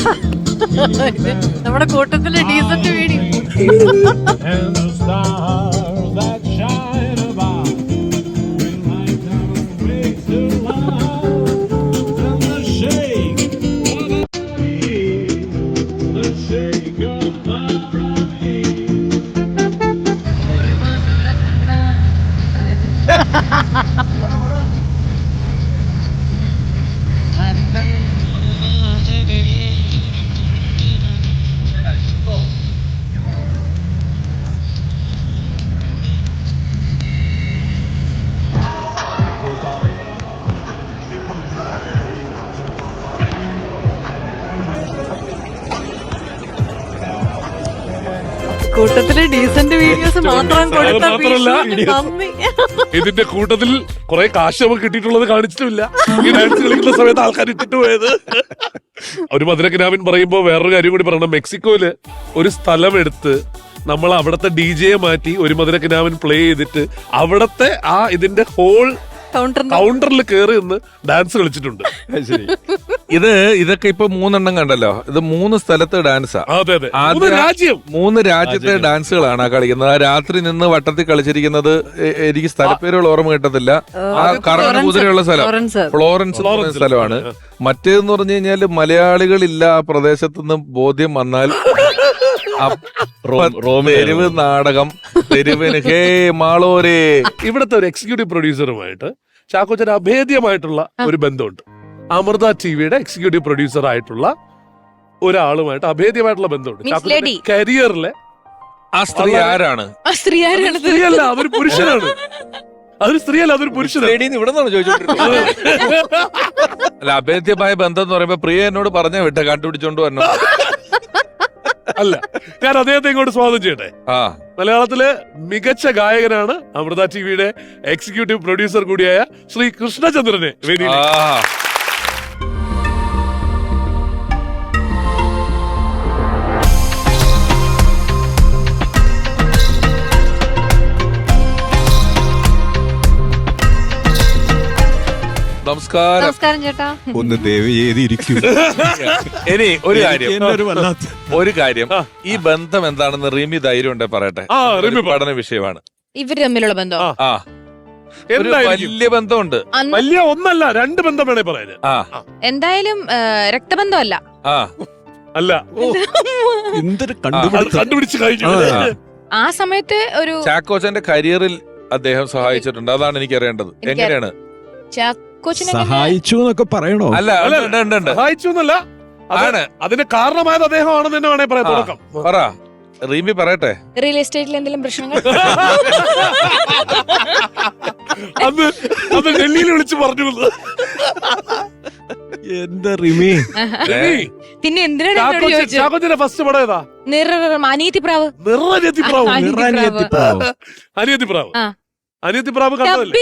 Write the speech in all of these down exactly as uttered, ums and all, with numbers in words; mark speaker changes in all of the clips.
Speaker 1: നമ്മുടെ കൂട്ടത്തിലെ decent video. കൂട്ടത്തിലെ ഡീസന്റ് വീഡിയോസ് മാത്രം കൊടുത്ത
Speaker 2: ഇതിന്റെ കൂട്ടത്തിൽ കുറെ കാശ് നമുക്ക് കിട്ടിയിട്ടുള്ളത് കാണിച്ചിട്ടുമില്ല. ഈ ഡാൻസ് കളിക്കുന്ന സമയത്ത് ആൾക്കാർ ഇട്ടിട്ട് പോയത്. ഒരു മധുരക്കിനാവിൻ പറയുമ്പോ വേറൊരു കാര്യം കൂടി പറയണം. മെക്സിക്കോയില് ഒരു സ്ഥലം എടുത്ത് നമ്മൾ അവിടത്തെ ഡി ജെയെ മാറ്റി ഒരു മധുരക്കിനാവിൻ പ്ലേ ചെയ്തിട്ട് അവിടത്തെ ആ ഇതിന്റെ ഹോൾ കൗണ്ടറിൽ കയറി നിന്ന് ഡാൻസ് കളിച്ചിട്ടുണ്ട്.
Speaker 3: ഇത് ഇതൊക്കെ ഇപ്പൊ മൂന്നെണ്ണം കണ്ടല്ലോ. ഇത് മൂന്ന് സ്ഥലത്ത് ഡാൻസാ.
Speaker 2: രാജ്യം
Speaker 3: മൂന്ന് രാജ്യത്തെ ഡാൻസുകളാണ് ആ കളിക്കുന്നത്. ആ രാത്രി നിന്ന് വട്ടത്തിൽ കളിച്ചിരിക്കുന്നത് എനിക്ക് സ്ഥലപ്പേരുകൾ ഓർമ്മ കിട്ടത്തില്ല. ആ കറങ്ങുന്ന കുതിരയുള്ള സ്ഥലം ഫ്ലോറൻസ് സ്ഥലമാണ്. മറ്റേതെന്ന് പറഞ്ഞു കഴിഞ്ഞാല് മലയാളികളില്ല ആ പ്രദേശത്ത് നിന്ന് ബോധ്യം വന്നാൽ തെരുവ് നാടകം, തെരുവിന് ഹേ മാളോരേ.
Speaker 2: ഇവിടുത്തെ ഒരു എക്സിക്യൂട്ടീവ് പ്രൊഡ്യൂസറുമായിട്ട് ചാക്കോച്ചന് അഭേദ്യമായിട്ടുള്ള ഒരു ബന്ധമുണ്ട്. അമൃത ടിവിയുടെ എക്സിക്യൂട്ടീവ് പ്രൊഡ്യൂസർ ആയിട്ടുള്ള ഒരാളുമായിട്ട് അഭേദ്യമായിട്ടുള്ള ബന്ധമുണ്ട്. ചാക്കോച്ചന്റെ കരിയറിലെ
Speaker 3: ആ സ്ത്രീ ആരാണ്?
Speaker 2: സ്ത്രീയല്ല, അതൊരു പുരുഷനാണ്. അതൊരു സ്ത്രീയല്ല, അതൊരു പുരുഷനാണ്.
Speaker 3: ഇവിടെ നിന്നാണ് ചോദിച്ചോണ്ടിരുന്നത്. അല്ല, അഭേദ്യമായ ബന്ധം എന്ന് പറയുമ്പോ പ്രിയ എന്നോട് പറഞ്ഞ വിട്ട കണ്ടുപിടിച്ചോണ്ട് വരണം.
Speaker 2: അല്ല, ഞാൻ അദ്ദേഹത്തെ ഇങ്ങോട്ട് സ്വാഗതം ചെയ്യട്ടെ.
Speaker 3: ആ
Speaker 2: മലയാളത്തിലെ മികച്ച ഗായകനാണ് അമൃത ടിവിയുടെ എക്സിക്യൂട്ടീവ് പ്രൊഡ്യൂസർ കൂടിയായ ശ്രീ കൃഷ്ണചന്ദ്രനെ വേദിയിൽ.
Speaker 3: നമസ്കാരം.
Speaker 1: നമസ്കാരം ചേട്ടാ.
Speaker 4: ഒന്ന് ദയവ് ചെയ്തിരിക്കും.
Speaker 3: ഇനി ഒരു കാര്യം ഒരു കാര്യം ഈ ബന്ധം എന്താണെന്ന് റിമി ധൈര്യം ഉണ്ടെ പറയട്ടെ. പഠന വിഷയമാണ്
Speaker 1: ഇവര് തമ്മിലുള്ള ബന്ധം.
Speaker 3: ആ ഒരു വലിയ ബന്ധമുണ്ട്.
Speaker 2: വലിയ ഒന്നല്ല, രണ്ട് ബന്ധം വേണേ പറയാന്.
Speaker 3: ആ
Speaker 1: എന്തായാലും രക്തബന്ധമല്ല.
Speaker 3: ആ
Speaker 2: അല്ല,
Speaker 4: എന്തൊരു
Speaker 2: കണ്ടുപിടിച്ച് കഴിഞ്ഞു.
Speaker 1: ആ സമയത്ത് ഒരു
Speaker 3: ചാക്കോച്ചന്റെ കരിയറിൽ അദ്ദേഹം സഹായിച്ചിട്ടുണ്ട്. അതാണ് എനിക്ക് അറിയേണ്ടത്. എങ്ങനെയാണ്
Speaker 4: സഹായിച്ചു എന്നൊക്കെ പറയണോ?
Speaker 3: അല്ല,
Speaker 2: സഹായിച്ചു എന്നല്ല, അതാണ് അതിന് കാരണമായത് അദ്ദേഹമാണെന്ന് തന്നെ വേണേ പറയാം. തുടക്കം
Speaker 3: പറ റീമി പറയട്ടെ.
Speaker 1: റിയൽ എസ്റ്റേറ്റിൽ എന്തെങ്കിലും പ്രശ്നങ്ങൾ
Speaker 2: അന്ന് അത് ഡൽഹിയിൽ വിളിച്ച് പറഞ്ഞു.
Speaker 4: എന്താ റിമി?
Speaker 1: പിന്നെ എന്തിനാണ്
Speaker 2: ചാക്കോച്ചന്റെ ഫസ്റ്റ് പടം ഏതാ?
Speaker 1: അനിയത്തിപ്രാവ്.
Speaker 2: നിറനിയത്തിപ്രാവ്. അനിയത്തിപ്രാവ്. അനിയത്തിപ്രാവ് കണ്ടതല്ലേ?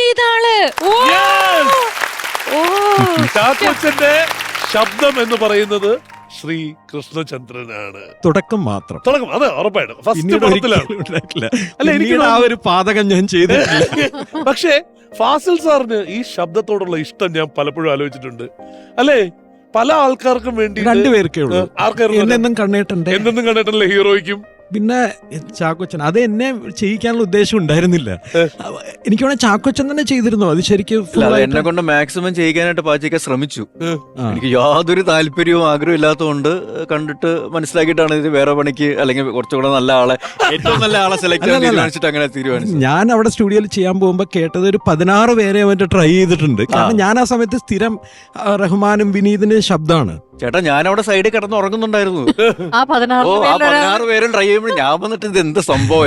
Speaker 2: ചാക്കോച്ചന്റെ ശബ്ദം എന്ന് പറയുന്നത് ശ്രീ കൃഷ്ണചന്ദ്രനാണ്.
Speaker 4: തുടക്കം മാത്രം.
Speaker 2: തുടക്കം, അതെ, ഉറപ്പായിട്ടും ഫസ്റ്റ് പടത്തിലാണ്.
Speaker 4: അല്ല, എനിക്ക് ആ ഒരു പാതകം ഞാൻ ചെയ്തിട്ടില്ല.
Speaker 2: പക്ഷേ ഫാസിൽ സാറിന് ഈ ശബ്ദത്തോടുള്ള ഇഷ്ടം ഞാൻ പലപ്പോഴും ആലോചിച്ചിട്ടുണ്ട്. അല്ലേ, പല ആൾക്കാർക്കും വേണ്ടി
Speaker 4: രണ്ടുപേർക്കേ ഉള്ളൂ. എന്നെന്നും കണ്ണേട്ടന്റെ
Speaker 2: എന്നെന്നും കണ്ടിട്ടല്ലേ ഹീറോയ്ക്കും
Speaker 4: പിന്നെ ചാക്കോച്ചൻ. അത് എന്നെ ചെയ്യിക്കാനുള്ള ഉദ്ദേശം ഉണ്ടായിരുന്നില്ല. എനിക്ക് വേണേ ചാക്കോച്ചൻ തന്നെ ചെയ്തിരുന്നു. അത് ശരിക്കും
Speaker 5: എന്നെ കൊണ്ട് മാക്സിമം ചെയ്യിക്കാനായിട്ട് പാച്ചിക്കാൻ ശ്രമിച്ചു. എനിക്ക് യാതൊരു താല്പര്യവും ആഗ്രഹവും ഇല്ലാത്തതുകൊണ്ട് കണ്ടിട്ട് മനസ്സിലാക്കിയിട്ടാണ് ഇത് വേറെ പണിക്ക് അല്ലെങ്കിൽ കുറച്ചുകൂടെ നല്ല ആളെ ഏറ്റവും നല്ല ആളെ സെലക്ട് ചെയ്യാൻ തീരുമാനിച്ചിട്ട് അങ്ങനെ തീരുമാനിച്ചു.
Speaker 4: ഞാൻ അവിടെ സ്റ്റുഡിയോയിൽ ചെയ്യാൻ പോകുമ്പോൾ കേട്ടത് ഒരു പതിനാറ് പേരെ അവന്റെ ട്രൈ ചെയ്തിട്ടുണ്ട്. കാരണം ഞാൻ ആ സമയത്ത് സ്ഥിരം റഹ്മാനും വിനീതിന്റെ ശബ്ദമാണ്.
Speaker 5: ചേട്ടാ, ഞാൻ അവിടെ സൈഡിൽ കിടന്ന് ഉറങ്ങുന്നുണ്ടായിരുന്നു.
Speaker 1: ആ
Speaker 5: പതിനാറ് പേരും ട്രൈ ചെയ്യുമ്പോൾ ഞാൻ വന്നിട്ട് ഇത് എന്ത് സംഭവം.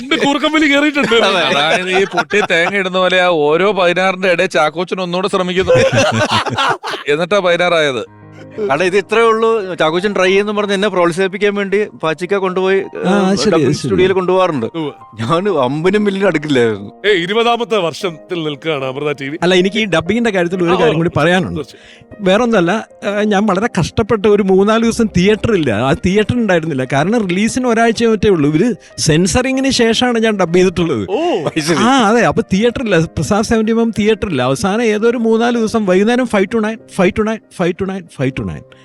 Speaker 3: അതായത് ഈ പൊട്ടി തേങ്ങ ഇടുന്ന പോലെ ആ ഓരോ പതിനാറിന്റെ ഇടയിൽ ചാക്കോച്ചൻ ഒന്നുകൂടെ ശ്രമിക്കുന്നു. എന്നിട്ടാ പതിനാറായത്.
Speaker 5: കാരണം ഇത് ഇത്രേ ഉള്ളൂ. ചാക്കോച്ചൻ ട്രൈ ചെയ്യുന്ന പറഞ്ഞ് എന്നെ പ്രോത്സാഹിപ്പിക്കാൻ വേണ്ടി പാച്ചിക്ക കൊണ്ടുപോയി സ്റ്റുഡിയോയിൽ കൊണ്ടുപോകാറുണ്ട്. ഞാൻ അമ്പനും മില്ലിന് അടുക്കില്ലായിരുന്നു.
Speaker 2: ഇരുപതാമത്തെ വർഷത്തിൽ നിൽക്കുകയാണ് അമൃത ടി വി.
Speaker 4: അല്ല, എനിക്ക് ഈ ഡബിങ്ങിന്റെ കാര്യത്തിൽ ഒരു കാര്യം കൂടി പറയാനുണ്ട്. വേറൊന്നല്ല, ഞാൻ വളരെ കഷ്ടപ്പെട്ട് ഒരു മൂന്നാല് ദിവസം തിയേറ്റർ ഇല്ല. ആ തിയേറ്റർ ഉണ്ടായിരുന്നില്ല. കാരണം റിലീസിന് ഒരാഴ്ച മറ്റേ ഉള്ളൂ. ഇവര് സെൻസറിങ്ങിന് ശേഷമാണ് ഞാൻ ഡബ് ചെയ്തിട്ടുള്ളത്. ആ അതെ, അപ്പൊ തിയേറ്റർ ഇല്ല. പ്രസാദ് സെവന്റി എം തിയേറ്റർ ഇല്ല. അവസാനം ഏതോ ഒരു മൂന്നാല് ദിവസം വൈകുന്നേരം five two nine five two nine five two nine five two nine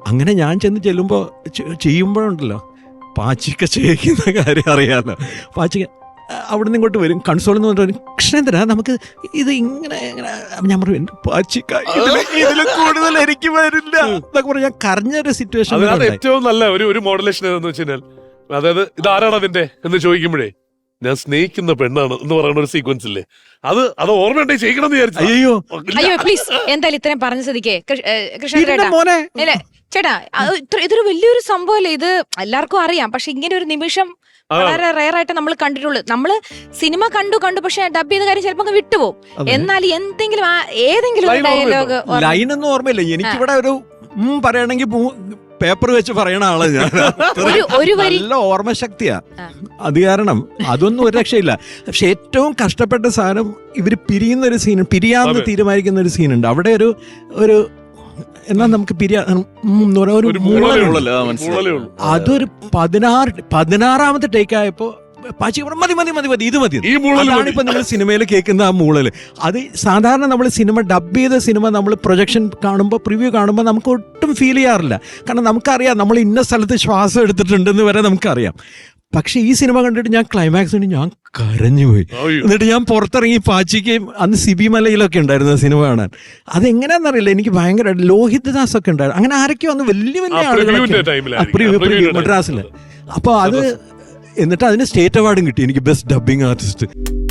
Speaker 4: അങ്ങനെ ഞാൻ ചെന്ന് ചെല്ലുമ്പോൾ ചെയ്യുമ്പോഴുണ്ടല്ലോ പാച്ചിക്ക ചെയ്യിക്കുന്ന കാര്യം അറിയാമല്ലോ. പാച്ചിക്ക അവിടെ നിന്ന് ഇങ്ങോട്ട് വരും, കൺസോളിൽ നിന്ന് പറഞ്ഞിട്ട് കൃഷ്ണേന്ദ്ര നമുക്ക് ഇത് ഇങ്ങനെ ഇങ്ങനെ ഞാൻ പറയും പാച്ചിക്ക ഇതിൽ കൂടുതൽ എനിക്ക് വരില്ല എന്നൊക്കെ പറഞ്ഞ് ഞാൻ കരഞ്ഞൊരു സിറ്റുവേഷൻ.
Speaker 2: അതിനകത്ത് ഏറ്റവും നല്ല ഒരു ഒരു മോഡുലേഷൻ ഏതെന്ന് വെച്ച് കഴിഞ്ഞാൽ, അതായത് ഇതാരാണ് അതിന്റെ എന്ന് ചോദിക്കുമ്പോഴേ ഞാൻ സ്നേഹിക്കുന്ന പെണ്ണാണ് എന്ന് പറയുന്ന ഒരു സീക്വൻസ് ഇല്ലേ, അത് അത് ഓർമ്മയുണ്ടെ ചെയ്യണം എന്ന് വിചാരിച്ചു.
Speaker 4: അയ്യോ
Speaker 1: അയ്യോ പ്ലീസ് എന്തായാലും ഇത്രയും പറഞ്ഞ സ്ഥിതിക്ക് കൃഷ്ണ
Speaker 4: പിന്നെ മോനെ
Speaker 1: അല്ലേ ചേട്ടാ, അത് ഇത്ര- ഇതൊരു വലിയൊരു സംഭവമല്ലേ ഇത്, എല്ലാവർക്കും അറിയാം. പക്ഷെ ഇങ്ങനെ ഒരു നിമിഷം വളരെ റയർ ആയിട്ട് നമ്മൾ കണ്ടിട്ടുള്ളൂ. നമ്മള് സിനിമ കണ്ടു കണ്ടു പക്ഷെ ഡബ് ചെയ്ത കാര്യം ചിലപ്പോ അങ്ങ് വിട്ടുപോകും. എന്നാൽ എന്തെങ്കിലും ആ- ഏതെങ്കിലും
Speaker 2: Line
Speaker 1: ഡയലോഗ്
Speaker 4: ലൈനൊന്നും ഓർമ്മയില്ല എനിക്കിവിടെ. ഒരു ഉം പറയണമെങ്കിൽ പേപ്പർ വെച്ച് പറയണ ആള് ഞാൻ.
Speaker 1: ഒരു ഒരു വരി
Speaker 4: നല്ല ഓർമ്മശക്തിയാ.
Speaker 1: ആ.
Speaker 4: അത് കാരണം അതൊന്നും ഒരു രക്ഷയില്ല. പക്ഷെ ഏറ്റവും കഷ്ടപ്പെട്ട സാധനം ഇവര് പിരിയുന്ന ഒരു സീൻ, പിരിയാന്ന്
Speaker 2: അതെ.
Speaker 4: തീരുമാനിക്കുന്ന ഒരു സീനുണ്ട്. അവിടെ ഒരു ഒരു എന്നാ നമുക്ക് പിരിയാ ഉം എന്ന് പറയാ ഒരു
Speaker 2: ഒരു
Speaker 4: മൂളലുണ്ട്.
Speaker 2: മൂളലേ
Speaker 5: മൂളല്, ആ,
Speaker 2: ഉള്ളൂ.
Speaker 5: മനസ്സിലായി.
Speaker 2: മൂളലേ ഉള്ളൂ.
Speaker 4: അതൊരു പതിനാറ് പതിനാറാമത്തെ ടേക്ക് ആയപ്പോ പാച്ചി പറഞ്ഞു, മതി മതി മതി മതി ഇത് മതി.
Speaker 2: ഈ മൂളല്
Speaker 4: അതാണ്
Speaker 2: മതി.
Speaker 4: ഇപ്പൊ നിങ്ങൾ സിനിമയിൽ കേൾക്കുന്ന ആ മൂളല്. അത് സാധാരണ നമ്മൾ സിനിമ ഡബ് ചെയ്ത സിനിമ നമ്മൾ പ്രൊജക്ഷൻ കാണുമ്പോൾ പ്രിവ്യൂ കാണുമ്പോൾ നമുക്ക് ഒട്ടും ഫീൽ ചെയ്യാറില്ല. കാരണം നമുക്കറിയാം നമ്മൾ ഇന്ന സ്ഥലത്ത് ശ്വാസം എടുത്തിട്ടുണ്ടെന്ന് വരെ നമുക്കറിയാം. പക്ഷെ ഈ സിനിമ കണ്ടിട്ട് ഞാൻ ക്ലൈമാക്സിന് ഞാൻ കരഞ്ഞുപോയി.
Speaker 2: അയ്യോ.
Speaker 4: എന്നിട്ട് ഞാൻ പുറത്തിറങ്ങി പാച്ചിക്കയും അന്ന് സിബി മലയിലൊക്കെ ഉണ്ടായിരുന്നു സിനിമ കാണാൻ. അതെങ്ങനെയാണെന്നറിയില്ല, എനിക്ക് ഭയങ്കര ലോഹിത് ദാസ് ഒക്കെ ഉണ്ടായിരുന്നു. അങ്ങനെ ആരൊക്കെയോ അന്ന് വലിയ വലിയ
Speaker 2: ആ, പ്രിവ്യൂവിന്റെ
Speaker 4: ആളുകളൊക്കെ
Speaker 2: ടൈമിലായിരിക്കും.
Speaker 4: Preview
Speaker 2: പ്രിവ്യൂവിന്റെ
Speaker 4: preview മദ്രാസില്. അപ്പോൾ അത് എന്നിട്ട് അതിന് സ്റ്റേറ്റ് അവാർഡും കിട്ടി എനിക്ക് ബെസ്റ്റ് ഡബിങ് ആർട്ടിസ്റ്റ്.